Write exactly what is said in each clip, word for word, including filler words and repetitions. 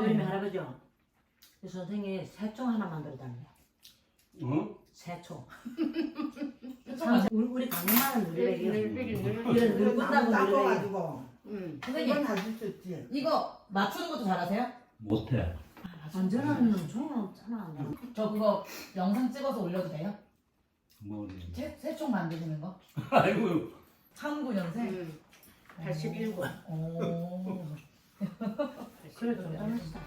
우리 할아버지요. 그 선생님이 새총 하나 만들어달래요. 어? 새총. 우리 우리 강남만은 누리백이요. 이런 늙은다고 누리백이. 닦아가지고. 응. 이건 선생님 다줄 수 있지. 이거 맞추는 것도 잘하세요? 못해. 완전한 종은 없잖아. 저 그거 영상 찍어서 올려도 돼요? 뭐 새, 새총 만드시는 거? 아이고. 삼십구 년생? 응. 팔십일 번. 오. 그래 좀 잘했어.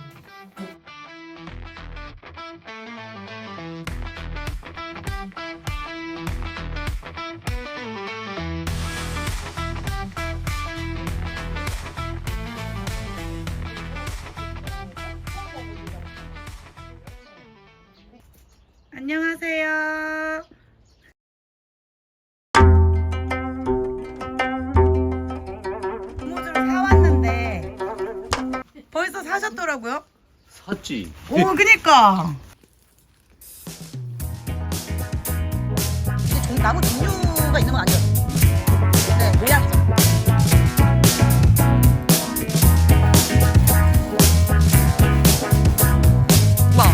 안녕하세요. 고무줄 사왔는데 벌써 사셨더라고요. 샀지. 오, 그니까. 이게 종, 나무 종류가 있는 건 아니죠? 네, 모양이죠. 와.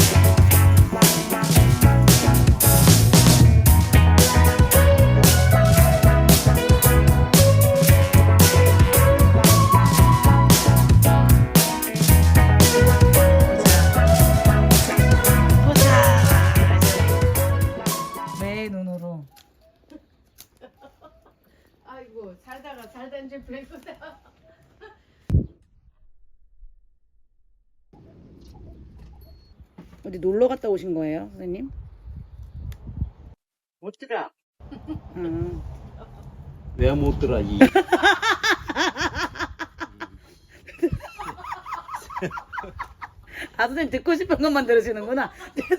내 눈으로. 아이고 살다가 살다 이제 별거다. 어디 놀러 갔다 오신 거예요, 선생님? 못 들어. 음. 왜 못 들어 이. 아, 선생님 듣고 싶은 것만 들으시는구나.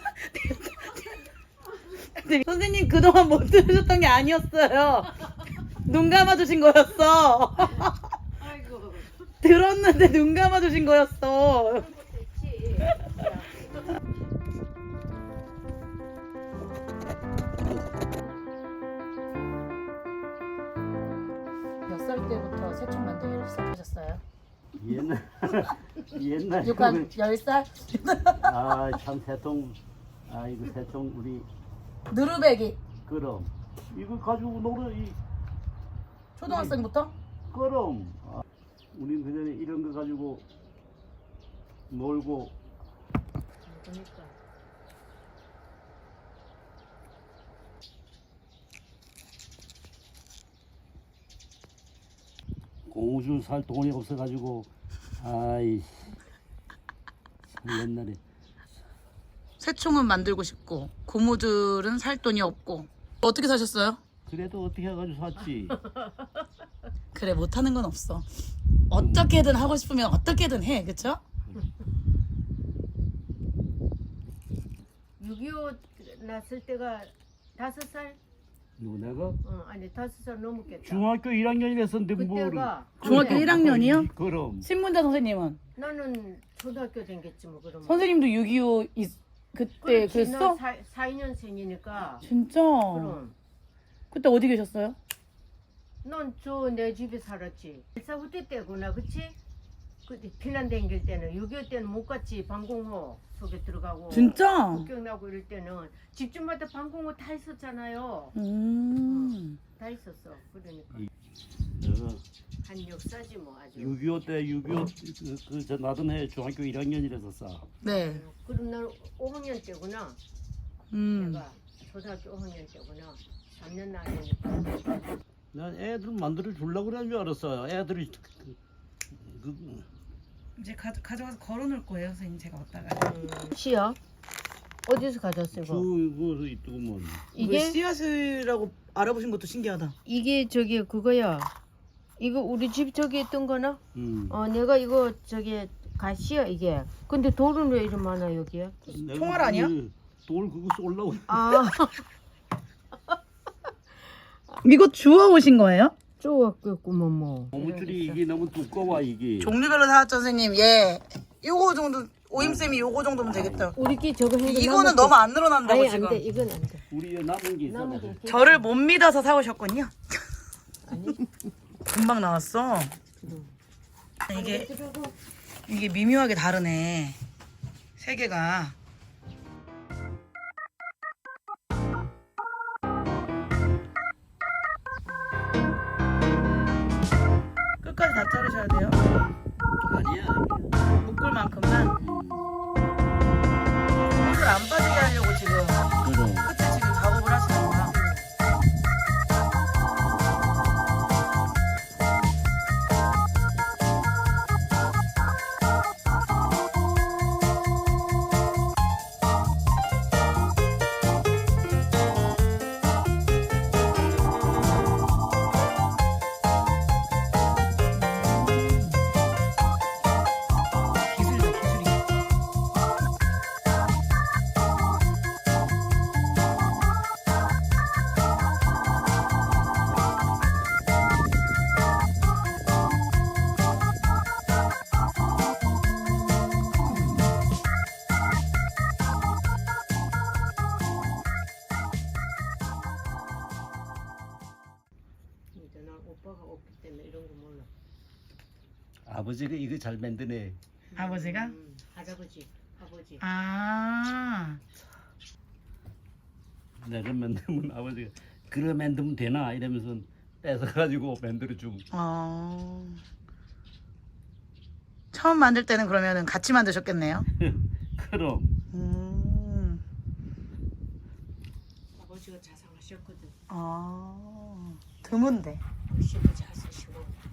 선생님 그동안 못 들으셨던 게 아니었어요. 눈 감아주신 거였어. 아이고 들었는데 눈 감아주신 거였어. 됐지. 몇 살 때부터 새총 만들기를 시작하셨어요? 옛날 옛날 육 한 열 살? 아참 새통 아 이거 새통 우리 누르베기 그럼 이거 가지고 놀아 이 초등학생부터? 그럼 아, 우린 그전에 이런 거 가지고 놀고 그러니까 고무줄 살 돈이 없어가지고 아이 참 옛날에 새총은 만들고 싶고 고무줄은 살 돈이 없고 어떻게 사셨어요? 그래도 어떻게 해가지고 샀지. 그래 못하는 건 없어. 어떻게든 하고 싶으면 어떻게든 해, 그쵸? 육이오 났을 때가 다섯 살? 누구 내가 어 아니 다섯 살 넘었겠다. 중학교 일 학년이랬었는데 뭐를 그때가 중학교 그래. 일 학년이요? 그럼 신문자 선생님은? 나는 초등학교 댕겼지 뭐 그러면. 선생님도 육이오 이, 그때 그랬어? 사, 이 년생이니까. 진짜? 그럼. 그때 어디 계셨어요? 넌 저 내 집에 살았지. 일사후퇴 때구나, 그치? 그때 피난 댕길 때는 육이오 때는 못 갔지. 방공호 속에 들어가고. 진짜? 국경나고 이럴 때는 집집마다 방공호 다 있었잖아요. 음. 다 있었어. 그러니까 내가 한 역사지 뭐 아주. 육이오 때 육이오 그저 나던 해 중학교 일 학년이랬었어. 네. 그럼 난 오 학년 때구나. 음. 내가 초등학교 오 학년 때구나. 삼 년 나이니까. 난 애들 만들어 주려고 그런 줄 알았어. 애들이 그, 그, 이제 가, 가져가서 걸어놓을 거예요, 선생님. 제가 왔다가. 음, 시야? 어디서 가져왔어 이거? 주고 있더구먼. 이게 씨앗이라고 알아보신 것도 신기하다. 이게 저기 그거야. 이거 우리 집 저기 있던 거나? 음. 어 내가 이거 저기 가시야 이게. 근데 돌은 왜 이리 많아 여기에? 내가 총알 아니야? 그 돌 그거 쏠라고. 아 이거 주워 오신 거예요? 쪼았겠구먼 뭐. 고무줄이 이게 너무 두꺼워 이게. 종류별로 사왔죠, 선생님. 예. 요거 정도, 오임쌤이 요거 정도면 되겠다. 우리끼 저거 해. 이거는 너무 안 늘어난다고 아니 지금. 안돼 이건 안 돼. 우리 남은 게 있어. 남은 게 있겠지. 저를 못 믿어서 사오셨군요. 아니 금방 나왔어. 이게 들어고 이게 미묘하게 다르네. 세 개가. 끝까지 다 자르셔야 돼요. 아니야. 묶을 만큼만. 물을 안 빠지게 하려고 지금 그럼. 끝에 지금 작업을 하시는 거야. 기술이다, 기술이. 이제 난 오빠가 없기 때문에 이런 거 몰라. 아버지가 이거 잘 만드네. 아버지가? 음, 할아버지, 아버지. 아. 내가 만들면 아버지가 그래 만들면 되나 이러면서 뺏어가지고 만들어주고. 어. 처음 만들 때는 그러면은 같이 만드셨겠네요. 그럼. 음. 아버지가 자상하셨거든. 아. 드문데. 글씨도 잘 쓰시고.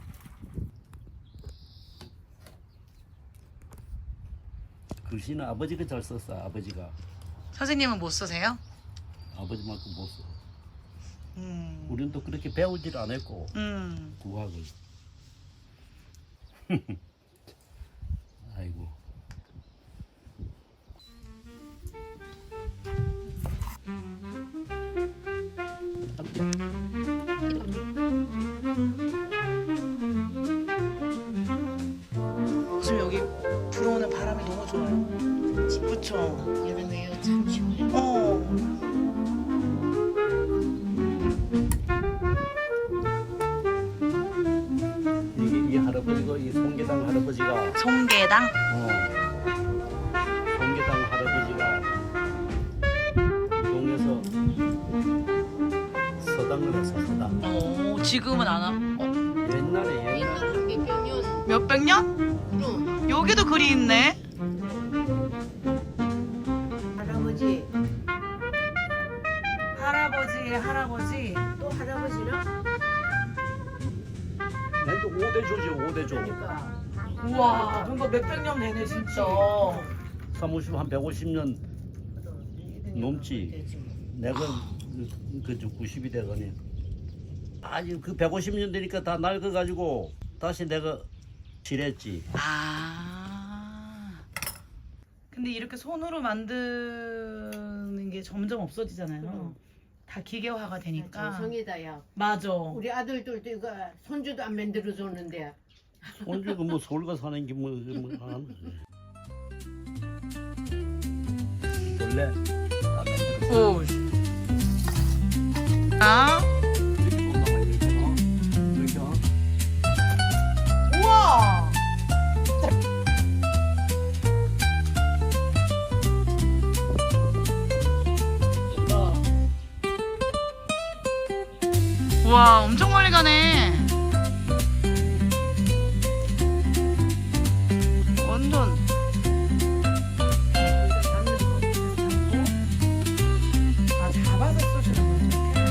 글씨는 아버지가 잘 썼어. 아버지가. 선생님은 못 쓰세요? 아버지만큼 못 써. 음. 우리는 또 그렇게 배우질 않았고 음. 국악을. 아이고. 지금 여기 불어오는 바람이 너무 좋아요. 그쵸? 여름에 참 시원해. 어. 이게 이 할아버지가 이 송계당 할아버지가 송계당? 어. 송계당 할아버지가 이 동네에서 서당을 했어. 서당. 어, 지금은 안 하. 어, 옛날에 옛날에 옛날 몇백 년. 몇백 년? 그럼 여기도 글이 있네. 할아버지 할아버지의 할아버지. 또 할아버지나? 내도 오대조지 오대조. 그러니까 우와, 그러니까 몇백 년 되네 진짜. 사무실 한 백오십 년 넘지. 되지 뭐. 내가 그저 구십이 되거니. 아니 그 백오십 년 되니까 다 낡아가지고 다시 내가 칠했지. 아. 근데 이렇게 손으로 만드는 게 점점 없어지잖아요. 응. 다 기계화가 되니까. 정성이다 야. 맞아. 우리 아들들도 이거 손주도 안 만들어 줬는데. 언제가 뭐 서울 가 사는 게뭐 뭐 하는 거지. 원래 다 만들어. 오. 아. 이렇게 온다고 이렇게 어? 이렇게 어? 우와. 우와, 엄청 멀리 가네. 완전. 아, 잡아서 쏘시는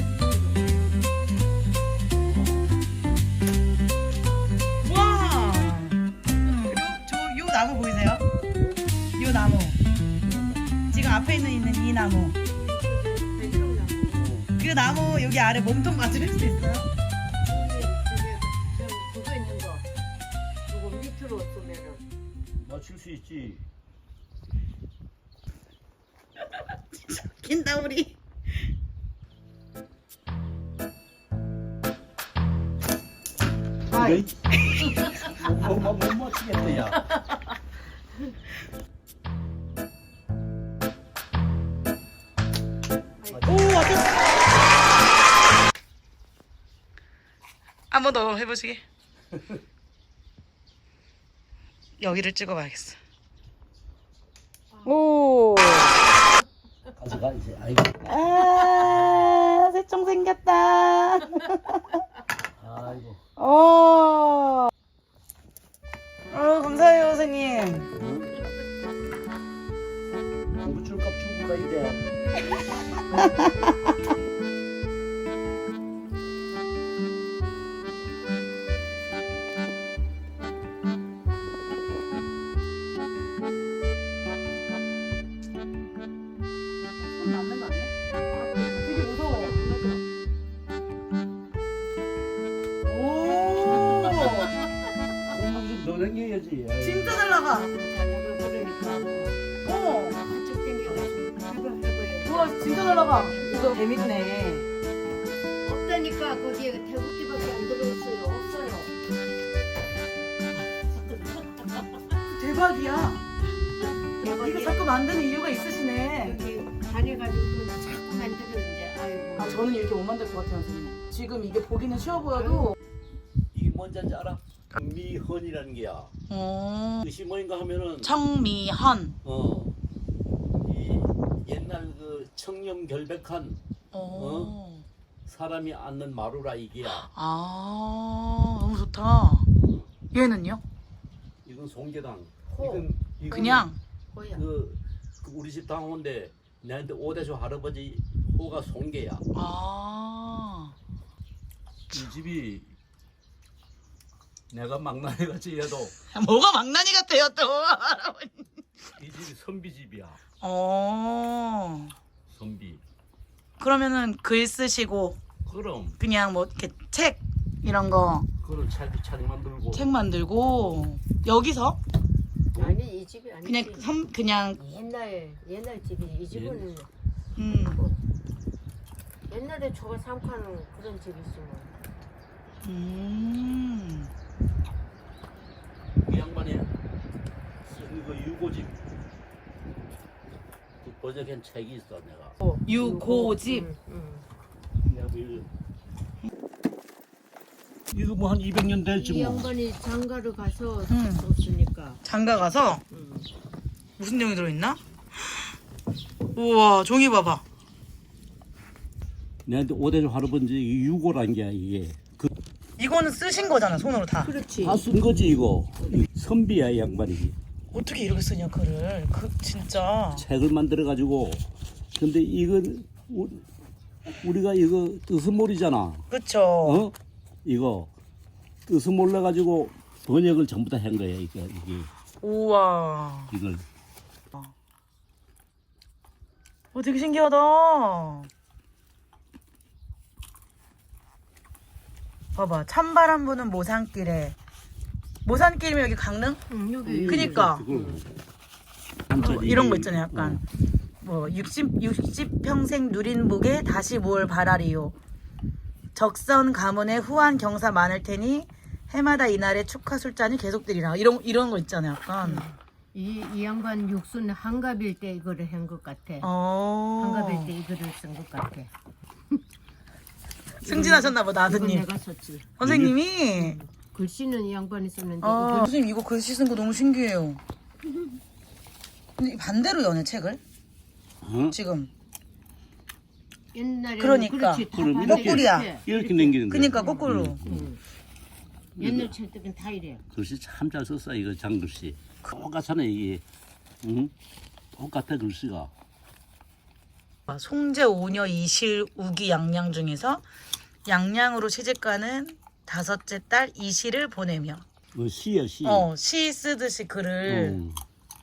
거죠? 와. 그리고 저 요 나무 보이세요? 요 나무. 지금 앞에 있는 있는 이 나무. 그 나무 여기 아래 몸통 맞을 수 있어요? 그거 있는 거. 그거 밑으로 쏘면은. 맞출 수 있지. 긴다 우리. 아이. 엄마 못 맞추겠다 야. 오, 왔다. 한 번 더 해보시게. 여기를 찍어봐야겠어. 오. 가져가 이제. 아이고. 아, 새총 생겼다. 아이고. 어. 어, 감사해요, 선생님. 응? 고추값 주고 가야 돼. 손 맞는 거 아니야? 되게 무서워. 오. 공부 좀 더 남겨야지. 아이고. 진짜 잘 나가. 자작을 그러니까 어. 한쪽 땡겨가지고 해봐 해봐요. 우와, 진짜 잘 나가. 이거 재밌네. 없다니까 거기에 태국기밖에 안 들어있어요. 없어요. 대박이야. 이거 대박이야. 자꾸 만드는 이유가 있으시네. 여기 다녀가지고 또 자꾸 만들어 이제 아이고. 아, 저는 이렇게 못 만들 것 같아요, 선생님. 지금 이게 보기는 쉬워 보여도. 이게 뭔지 알아? 미헌이라는 게야. 어. 뜻이 뭐인가 하면은 청미헌. 어. 이 옛날 그 청렴 결백한 어. 사람이 앉는 마루라 이게야. 아, 너무 좋다. 얘는요? 이건 송계당. 호. 이건, 이건 그냥. 호야. 그, 그 우리 집 당원데 내한테 오대조 할아버지 호가 송계야. 아. 이 집이 내가 막나니 같이 해도 뭐가 망나니 같아요, 또. 이 집이 선비 집이야. 어. 선비. 그러면은 글 쓰시고 그럼 그냥 뭐 이렇게 책 이런 거 책 그런 책, 책 만들고 만들고 여기서 아니 이 집이 아니지. 그냥 섬 그냥 옛날 옛날 집이 이 집은 음. 옛날에 저가 삼खा는 그런 집이지 뭐. 음. 이 양반이 쓴 그 유고집 그 번역한 책이 있어 내가. 유고집. 응, 응. 내가 그 이거 이거 뭐 한 이백 년 될지 이 뭐. 양반이 장가를 가서 응. 줬으니까. 장가 가서 응. 무슨 내용이 들어있나? 우와, 종이 봐봐. 내한테 오대조 할아버지 이 유고란 게 이게 그 이거는 쓰신 거잖아, 손으로 다. 그렇지. 다 쓴 거지 이거. 이 선비야 이 양반이. 어떻게 이렇게 쓰냐, 글을. 그 진짜. 책을 만들어 가지고 근데 이건 우- 우리가 이거 뜻을 모르잖아. 그쵸. 어? 이거 뜻을 몰라 가지고 번역을 전부 다 한 거야 이게 이게 우와. 이걸. 어, 되게 신기하다. 봐봐, 찬바람 부는 모산길에. 모산길이면 여기 강릉? 응, 여기. 그니까. 한자리 어, 이런 거 있잖아요, 약간. 뭐 육십, 육십 평생 누린 복에 다시 뭘 바라리요. 적선 가문에 후한 경사 많을 테니 해마다 이날의 축하 술잔이 계속되리라. 이런 이런 거 있잖아요, 약간. 이, 이 양반 육수는 한갑일 때 이거를 한 것 같아. 어. 한갑일 때 이거를 쓴 것 같아. 승진하셨나 보다, 이건 아드님. 내가 썼지. 선생님이. 글씨는 이 양반이 썼는데 아, 이걸 선생님 이거 글씨 쓴 거 너무 신기해요. 근데 반대로 여네 책을 어? 지금. 옛날에 그러니까. 그렇지, 다 그럼 반대 거꾸리야. 이렇게. 이렇게 남기는 거야. 그니까 거꾸로. 응. 옛날 책들은 다 이래. 글씨 참 잘 썼어 이거 장글씨. 똑같잖아 이게. 응? 똑같아 글씨가. 송제 오녀 이실 우기 양양 중에서 양양으로 시집가는 다섯째 딸 이실을 보내며 어, 시야 시. 어, 시 쓰듯이 글을. 어.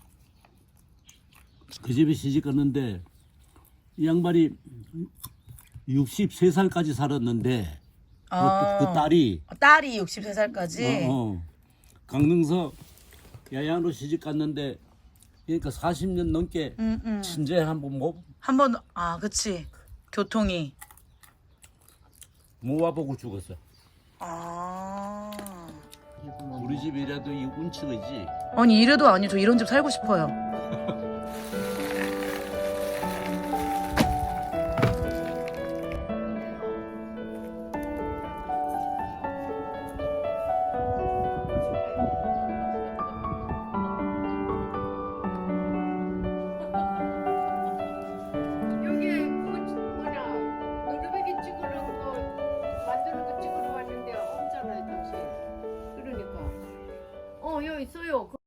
그 집에 시집 갔는데 이 양반이 육십세 살까지 살았는데 어, 그, 그 딸이 딸이 육십세 살까지. 어, 어. 강릉서 야양으로 시집 갔는데 그러니까 사십 년 넘게 음, 음. 친제 한번 못, 한번 아, 그치. 교통이. 못 와보고 죽었어. 아. 우리 집이라도 이 운치이지. 아니 이래도 아니 저 이런 집 살고 싶어요. 요 있어요.